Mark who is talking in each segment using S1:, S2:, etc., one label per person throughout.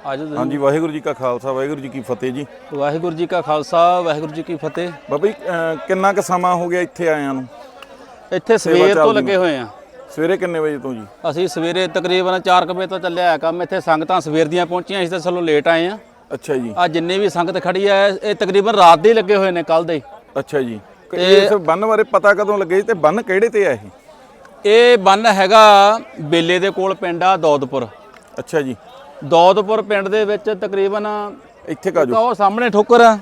S1: ਆਜੋ
S2: हाँ जी, वाहिगुरू जी का खालसा वाहिगुरू जी की फतेह जी।
S1: ਵਾਹਿਗੁਰੂ ਜੀ ਕਾ ਖਾਲਸਾ ਵਾਹਿਗੁਰੂ ਜੀ ਕੀ ਫਤਿਹ।
S2: ਬਾਬਾ ਜੀ ਕਿੰਨਾ ਕੁ ਸਮਾਂ ਹੋ ਗਿਆ ਇੱਥੇ ਆਇਆਂ ਨੂੰ?
S1: ਇੱਥੇ ਸਵੇਰ ਤੋਂ ਲੱਗੇ ਹੋਏ ਆ।
S2: ਸਵੇਰੇ ਕਿੰਨੇ ਵਜੇ ਤੋਂ ਜੀ?
S1: ਅਸੀਂ ਸਵੇਰੇ ਤਕਰੀਬਨ 4 ਵਜੇ ਤੋਂ ਚੱਲਿਆ ਹੈ ਕੰਮ। ਇੱਥੇ ਸੰਗਤਾਂ ਸਵੇਰ ਦੀਆਂ ਪਹੁੰਚੀਆਂ, ਅਸੀਂ ਤਾਂ ਚਲੋ ਲੇਟ ਆਏ ਆ।
S2: ਅੱਛਾ ਜੀ।
S1: ਆ ਜਿੰਨੇ ਵੀ ਸੰਗਤ ਖੜੀ ਆ ਇਹ ਤਕਰੀਬਨ ਰਾਤ ਦੇ ਲੱਗੇ ਹੋਏ ਨੇ, ਕੱਲ ਦੇ।
S2: ਅੱਛਾ ਜੀ। ਇਸ ਬੰਨ ਬਾਰੇ ਪਤਾ ਕਦੋਂ ਲੱਗੇ ਜੀ ਤੇ ਬੰਨ ਕਿਹੜੇ ਤੇ ਆ ਇਹ?
S1: ਇਹ ਬੰਨ ਹੈਗਾ ਬੇਲੇ ਦੇ ਕੋਲ ਪਿੰਡ ਆ ਦੌਦਪੁਰ।
S2: ਅੱਛਾ ਜੀ।
S1: ਦੌਦਪੁਰ ਪਿੰਡ ਦੇ ਵਿੱਚ ਤਕਰੀਬਨ
S2: ਇੱਥੇ ਕਾਜੋ
S1: ਉਹ ਸਾਹਮਣੇ ਠੋਕਰ ਆ,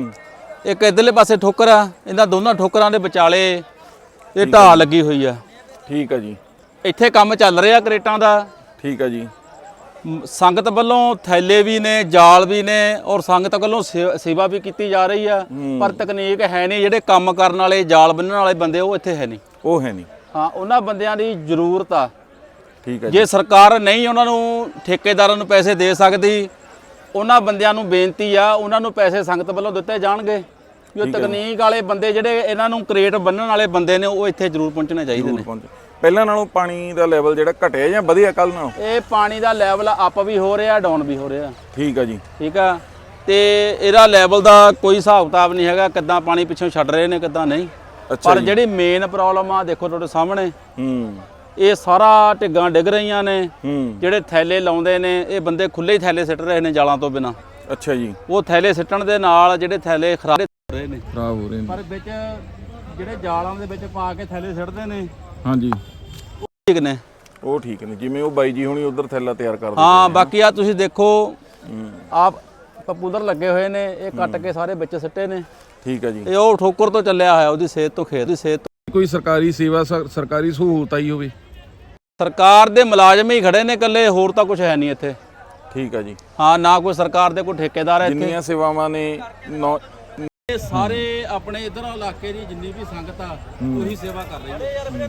S1: ਇੱਕ ਇਧਰਲੇ ਪਾਸੇ ਠੋਕਰ ਆ। ਇਹਨਾਂ ਦੋਨਾਂ ਠੋਕਰਾਂ ਦੇ ਵਿਚਾਲੇ ਇਹ ਢਾਹ ਲੱਗੀ ਹੋਈ ਆ।
S2: ਠੀਕ ਆ ਜੀ।
S1: ਇੱਥੇ ਕੰਮ ਚੱਲ ਰਿਹਾ ਕਰੇਟਾਂ ਦਾ।
S2: ਠੀਕ ਆ ਜੀ।
S1: ਸੰਗਤ ਵੱਲੋਂ ਥੈਲੇ ਵੀ ਨੇ, ਜਾਲ ਵੀ ਨੇ, ਔਰ ਸੰਗਤ ਵੱਲੋਂ ਸੇਵਾ ਵੀ ਕੀਤੀ ਜਾ ਰਹੀ ਆ। ਪਰ ਤਕਨੀਕ ਹੈ ਨਹੀਂ, ਜਿਹੜੇ ਕੰਮ ਕਰਨ ਵਾਲੇ ਜਾਲ ਬੰਨਣ ਵਾਲੇ ਬੰਦੇ ਉਹ ਇੱਥੇ ਹੈ ਨਹੀਂ।
S2: ਉਹ ਹੈ ਨਹੀਂ।
S1: ਹਾਂ, ਉਹਨਾਂ ਬੰਦਿਆਂ ਦੀ ਜ਼ਰੂਰਤ ਆ।
S2: ਠੀਕ ਆ ਜੀ।
S1: ਜੇ ਸਰਕਾਰ ਨਹੀਂ ਉਹਨਾਂ ਨੂੰ ਠੇਕੇਦਾਰਾਂ ਨੂੰ ਪੈਸੇ ਦੇ ਸਕਦੀ, ਉਹਨਾਂ ਬੰਦਿਆਂ ਨੂੰ ਬੇਨਤੀ ਆ ਉਹਨਾਂ ਨੂੰ ਪੈਸੇ ਸੰਗਤ ਵੱਲੋਂ ਦਿੱਤੇ ਜਾਣਗੇ। ਜੋ ਤਕਨੀਕ ਵਾਲੇ ਬੰਦੇ ਜਿਹੜੇ ਇਹਨਾਂ ਨੂੰ ਕਰੇਟ ਬੰਨਣ ਵਾਲੇ ਬੰਦੇ ਨੇ ਉਹ ਇੱਥੇ ਜ਼ਰੂਰ ਪਹੁੰਚਣੇ ਚਾਹੀਦੇ ਨੇ।
S2: ਪਹਿਲਾਂ ਨਾਲੋਂ ਪਾਣੀ ਦਾ ਲੈਵਲ ਜਿਹੜਾ ਘਟਿਆ ਜਾਂ ਵਧਿਆ ਕੱਲ ਨਾਲੋਂ?
S1: ਇਹ ਪਾਣੀ ਦਾ ਲੈਵਲ ਅਪ ਵੀ ਹੋ ਰਿਹਾ, ਡਾਊਨ ਵੀ ਹੋ ਰਿਹਾ।
S2: ਠੀਕ ਆ ਜੀ।
S1: ਠੀਕ ਆ। ਤੇ ਇਹਦਾ ਲੈਵਲ ਦਾ ਕੋਈ ਹਿਸਾਬ ਕਿਤਾਬ ਨਹੀਂ ਹੈਗਾ, ਕਿੱਦਾਂ ਪਾਣੀ ਪਿੱਛੋਂ ਛੱਡ ਰਹੇ ਨੇ ਕਿੱਦਾਂ ਨਹੀਂ। ਪਰ ਜਿਹੜੀ ਮੇਨ ਪ੍ਰੋਬਲਮ ਆ ਦੇਖੋ ਤੁਹਾਡੇ ਸਾਹਮਣੇ, ਇਹ ਸਾਰਾ ਢਿੱਗਾਂ ਡਿੱਗ ਰਹੀਆਂ ਨੇ। ਜਿਹੜੇ ਥੈਲੇ ਲਾਉਂਦੇ ਨੇ ਇਹ ਬੰਦੇ ਖੁੱਲੇ ਹੀ ਥੈਲੇ ਸਿੱਟ ਰਹੇ ਨੇ ਜਾਲਾਂ ਤੋਂ ਬਿਨਾ।
S2: ਅੱਛਾ ਜੀ।
S1: ਉਹ ਥੈਲੇ ਸਿੱਟਣ ਦੇ ਨਾਲ ਜਿਹੜੇ ਥੈਲੇ ਖਰਾਬ ਹੋ ਰਹੇ ਨੇ। ਪਰ ਵਿੱਚ ਜਿਹੜੇ ਜਾਲਾਂ ਦੇ ਵਿੱਚ ਪਾ ਕੇ ਥੈਲੇ ਸਿੱਟਦੇ ਨੇ।
S2: ਹਾਂਜੀ,
S1: ਠੀਕ ਨੇ।
S2: ਉਹ ਠੀਕ ਨੇ, ਜਿਵੇਂ ਉਹ ਬਾਈ ਜੀ ਹੁਣੀ ਉਧਰ ਥੈਲਾ ਤਿਆਰ ਕਰਦੇ।
S1: ਹਾਂ, ਬਾਕੀ ਆ ਤੁਸੀਂ ਦੇਖੋ ਆਪ ਪਪੂਲਰ ਲੱਗੇ ਹੋਏ ਨੇ, ਇਹ ਕੱਟ ਕੇ ਸਾਰੇ ਵਿੱਚ ਸਿੱਟੇ ਨੇ।
S2: ਠੀਕ ਆ ਜੀ।
S1: ਇਹ ਉਹ ਠੋਕਰ ਤੋਂ ਚੱਲਿਆ ਹੋਇਆ, ਉਹਦੀ ਸੇਧ ਤੋਂ ਖੇਤ ਦੀ ਸੇਧ ਤੋਂ।
S2: ਕੋਈ ਸਰਕਾਰੀ ਸੇਵਾ ਸਰਕਾਰੀ ਸਹੂਲਤ ਆਈ ਹੋਵੇ?
S1: ਸਰਕਾਰ ਦੇ ਮੁਲਾਜ਼ਮ ਹੀ ਖੜੇ ਨੇ ਇਕੱਲੇ, ਹੋਰ ਤਾਂ ਕੁਝ ਹੈ ਨਹੀਂ ਇੱਥੇ।
S2: ਠੀਕ ਆ ਜੀ।
S1: ਹਾਂ, ਨਾ ਕੋਈ ਸਰਕਾਰ ਦੇ ਕੋਈ ਠੇਕੇਦਾਰ ਹੈ ਇੱਥੇ।
S2: ਜਿੰਨੀਆਂ ਸੇਵਾਵਾਂ ਨੇ
S1: ਇਹ ਸਾਰੇ ਆਪਣੇ ਇਧਰ ਇਲਾਕੇ ਦੀ ਜਿੰਨੀ ਵੀ ਸੰਗਤ ਆ ਉਹੀ ਸੇਵਾ ਕਰ ਰਹੀ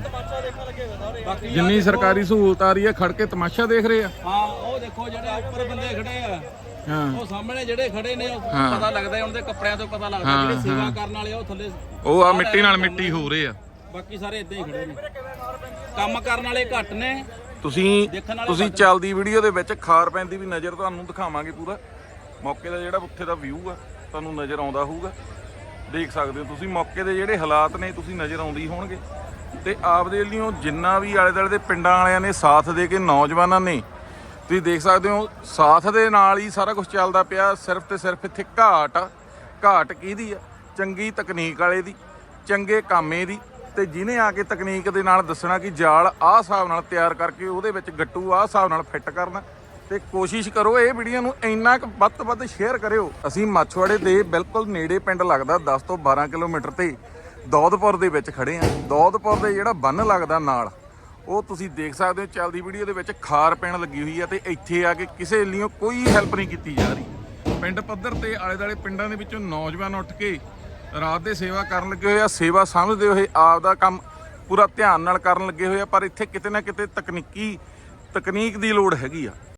S1: ਹੈ। ਬਾਕੀ
S2: ਜਿੰਨੀ ਸਰਕਾਰੀ ਸਹੂਲਤ ਆ ਰਹੀ ਹੈ ਖੜ ਕੇ ਤਮਾਸ਼ਾ ਦੇਖ ਰਹੇ ਆ।
S1: ਹਾਂ, ਉਹ ਦੇਖੋ ਜਿਹੜੇ ਉੱਪਰ ਬੰਦੇ ਖੜੇ ਆ।
S2: ਹਾਂ,
S1: ਉਹ ਸਾਹਮਣੇ ਜਿਹੜੇ ਖੜੇ ਨੇ ਉਹ ਪਤਾ ਲੱਗਦਾ, ਉਹਨਾਂ ਦੇ ਕੱਪੜਿਆਂ ਤੋਂ ਪਤਾ ਲੱਗਦਾ। ਜਿਹੜੇ ਸੇਵਾ ਕਰਨ ਵਾਲੇ ਉਹ ਥੱਲੇ
S2: ਉਹ ਆ ਮਿੱਟੀ ਨਾਲ ਮਿੱਟੀ ਹੋ ਰਹੇ ਆ।
S1: ਬਾਕੀ ਸਾਰੇ ਇਦਾਂ ਹੀ ਖੜੇ ਨੇ, ਕੰਮ ਕਰਨ ਵਾਲੇ ਘੱਟ ਨੇ।
S2: ਤੁਸੀਂ ਚੱਲਦੀ ਵੀਡੀਓ ਦੇ ਵਿੱਚ ਖਾਰ ਪੈਂਦੀ ਵੀ ਨਜ਼ਰ ਤੁਹਾਨੂੰ ਦਿਖਾਵਾਂਗੇ। ਪੂਰਾ ਮੌਕੇ ਦਾ ਜਿਹੜਾ ਉੱਥੇ ਦਾ ਵਿਊ ਆ ਤੁਹਾਨੂੰ ਨਜ਼ਰ ਆਉਂਦਾ ਹੋਊਗਾ, ਦੇਖ ਸਕਦੇ ਹੋ ਤੁਸੀਂ। ਮੌਕੇ ਦੇ ਜਿਹੜੇ ਹਾਲਾਤ ਨੇ ਤੁਸੀਂ ਨਜ਼ਰ ਆਉਂਦੇ ਹੀ ਹੋਣਗੇ। ਤੇ ਆਪਦੇ ਵੱਲੋਂ ਜਿੰਨਾ ਵੀ ਆਲੇ ਦੁਆਲੇ ਦੇ ਪਿੰਡਾਂ ਵਾਲਿਆਂ ਨੇ ਸਾਥ ਦੇ ਕੇ, ਨੌਜਵਾਨਾਂ ਨੇ, ਤੁਸੀਂ ਦੇਖ ਸਕਦੇ ਹੋ ਸਾਥ ਦੇ ਨਾਲ ਹੀ ਸਾਰਾ ਕੁਝ ਚੱਲਦਾ ਪਿਆ। ਸਿਰਫ ਤੇ ਸਿਰਫ ਇੱਥੇ ਘਾਟ ਆ। ਘਾਟ ਕਿਹਦੀ ਆ? ਚੰਗੀ ਤਕਨੀਕ ਵਾਲੇ ਦੀ, ਚੰਗੇ ਕਾਮੇ ਦੀ। ਤੇ ਜਿਹਨੇ ਆ ਕੇ ਤਕਨੀਕ ਦੇ ਨਾਲ ਦੱਸਣਾ ਕਿ ਜਾਲ ਆਹ ਹਿਸਾਬ ਨਾਲ ਤਿਆਰ ਕਰਕੇ ਉਹਦੇ ਵਿੱਚ ਗੱਟੂ ਆਹ ਹਿਸਾਬ ਨਾਲ ਫਿੱਟ ਕਰਨਾ। ਤੇ ਕੋਸ਼ਿਸ਼ ਕਰੋ ਇਹ ਵੀਡੀਓ ਨੂੰ ਇੰਨਾ ਕੁ ਵੱਧ ਤੋਂ ਵੱਧ ਸ਼ੇਅਰ ਕਰਿਓ। ਅਸੀਂ ਮਾਛਵਾੜੇ ਦੇ ਬਿਲਕੁਲ ਨੇੜੇ ਪਿੰਡ ਲੱਗਦਾ 10 ਤੋਂ 12 ਕਿਲੋਮੀਟਰ ਤੇ ਦੌਦਪੁਰ ਦੇ ਵਿੱਚ ਖੜੇ ਆ। ਦੌਦਪੁਰ ਦੇ ਜਿਹੜਾ ਬੰਨ ਲੱਗਦਾ ਨਾਲ, ਉਹ ਤੁਸੀਂ ਦੇਖ ਸਕਦੇ ਹੋ ਚੱਲਦੀ ਵੀਡੀਓ ਦੇ ਵਿੱਚ ਖਾਰ ਪੈਣ ਲੱਗੀ ਹੋਈ ਆ। ਤੇ ਇੱਥੇ ਆ ਕੇ ਕਿਸੇ ਲਈ ਕੋਈ ਹੈਲਪ ਨਹੀਂ ਕੀਤੀ ਜਾ ਰਹੀ। ਪਿੰਡ ਪੱਧਰ ਤੇ ਆਲੇ ਦੁਆਲੇ ਪਿੰਡਾਂ ਦੇ ਵਿੱਚੋਂ ਨੌਜਵਾਨ ਉੱਠ ਕੇ ਰਾਤ ਦੇ ਸੇਵਾ ਕਰਨ ਲੱਗੇ ਹੋਏ ਆ। ਸੇਵਾ ਸਮਝਦੇ ਹੋਏ ਆਪ ਦਾ ਕੰਮ ਪੂਰਾ ਧਿਆਨ ਨਾਲ ਕਰਨ ਲੱਗੇ ਹੋਏ ਆ। ਪਰ ਇੱਥੇ ਕਿਤੇ ਨਾ ਕਿਤੇ ਤਕਨੀਕ ਦੀ ਲੋੜ ਹੈਗੀ ਆ।